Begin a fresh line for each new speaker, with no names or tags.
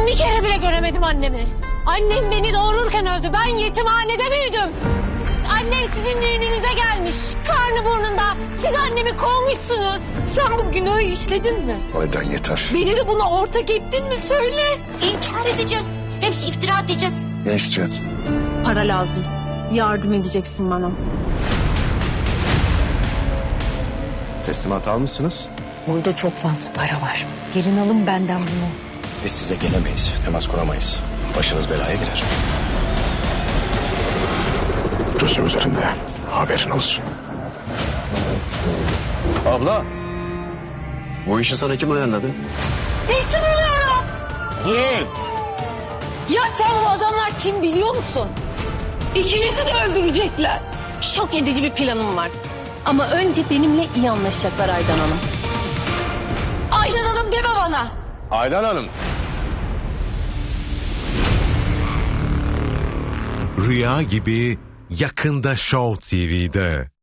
Bir kere bile göremedim annemi. Annem beni doğururken öldü. Ben yetimhanede büyüdüm. Annem sizin düğününüze gelmiş. Karnı burnunda. Siz annemi kovmuşsunuz. Sen bu günahı işledin mi?
Aydan yeter.
Beni de buna ortak ettin mi söyle.
İnkar edeceğiz. Hepsi iftira edeceğiz.
Ne istiyorsun?
Para lazım. Yardım edeceksin bana.
Teslimat almışsınız.
Burada çok fazla para var. Gelin alın benden bunu.
Biz size gelemeyiz, temas kuramayız. Başınız belaya girer.
Gözüm üzerinde. Haberin olsun.
Abla. Bu işi sana kim ayarladı?
Teslim oluyorum.
Değil.
Ya sen bu adamlar kim biliyor musun? İkinizi de öldürecekler. Şok edici bir planım var. Ama önce benimle iyi anlaşacaklar Aydan Hanım. Aydan Hanım deme bana.
Aydan Hanım.
Rüya gibi yakında Show TV'de.